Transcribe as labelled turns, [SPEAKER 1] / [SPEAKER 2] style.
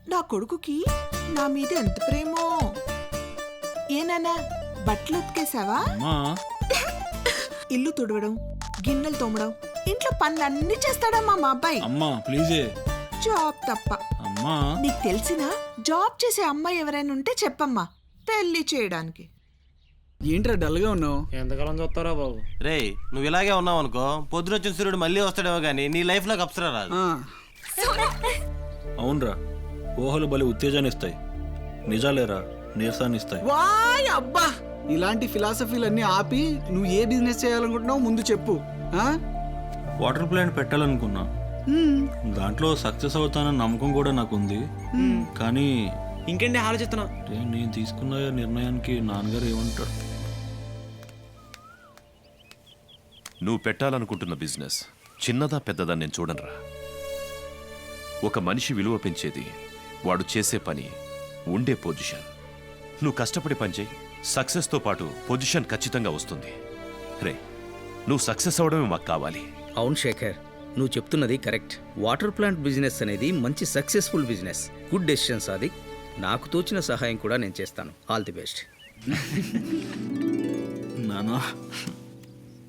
[SPEAKER 1] నా కొడుకుకి నా మీద ఎంత ప్రేమో. ఏనానా బట్టలు ఉతికేసావా? ఇల్లు తుడవడం, గిన్నెలు తోమడం, ఇంట్లో పనులన్నీ చేస్తాడమ్మా మా అబ్బాయి.
[SPEAKER 2] అమ్మా ప్లీజే.
[SPEAKER 1] జాబ్ తప్ప.
[SPEAKER 2] అమ్మా
[SPEAKER 1] నీకు తెలిసిన జాబ్ చేసే అమ్మాయి ఎవరైనా ఉంటే చెప్పమ్మా, పెళ్లి చేయడానికి.
[SPEAKER 3] ఏంట్రా డల్గా ఉన్నావు?
[SPEAKER 4] ఎంతకాలం చూస్తారా బాబు?
[SPEAKER 5] రే నువ్వు ఇలాగే ఉన్నావు అనుకో, పొద్దునొచ్చిన సూర్యుడు మళ్ళీ వస్తాడేమో గానీ నీ లైఫ్ లోకి అప్సరా రాదు.
[SPEAKER 2] అవునరా, ఊహలు బలి ఉత్తేజాన్ని ఇస్తాయి, నిజాలేరా నీరసాన్ని ఇస్తాయి.
[SPEAKER 3] వాయ్ అబ్బా, ఇలాంటి ఫిలాసఫీలన్నీ ఆపి నువ్వు ఏ బిజినెస్ చేయాలనుకుంటున్నావు ముందు చెప్పు.
[SPEAKER 2] వాటర్ ప్లాంట్ పెట్టాలనుకున్నా, దాంట్లో సక్సెస్ అవుతానన్న నమ్మకం కూడా నాకుంది. కానీ
[SPEAKER 4] ఇంకేంటి ఆలోచిస్తున్నా?
[SPEAKER 2] నేను తీసుకున్న నిర్ణయానికి నాన్నగారు ఏమంటారు?
[SPEAKER 6] నువ్వు పెట్టాలనుకుంటున్న బిజినెస్ చిన్నదా పెద్దదా నేను చూడనురా. ఒక మనిషి విలువ పెంచేది వాడు చేసే పని, ఉండే పొజిషన్. నువ్వు కష్టపడి పనిచేయి, సక్సెస్తో పాటు పొజిషన్ ఖచ్చితంగా వస్తుంది. రే నువ్వు సక్సెస్ అవడమే మాకు కావాలి.
[SPEAKER 7] అవును శేఖర్, నువ్వు చెప్తున్నది కరెక్ట్. వాటర్ ప్లాంట్ బిజినెస్ అనేది మంచి successful business. Good decision Sadiq. నాకు తోచిన సహాయం కూడా నేను చేస్తాను. All the best.
[SPEAKER 2] నానా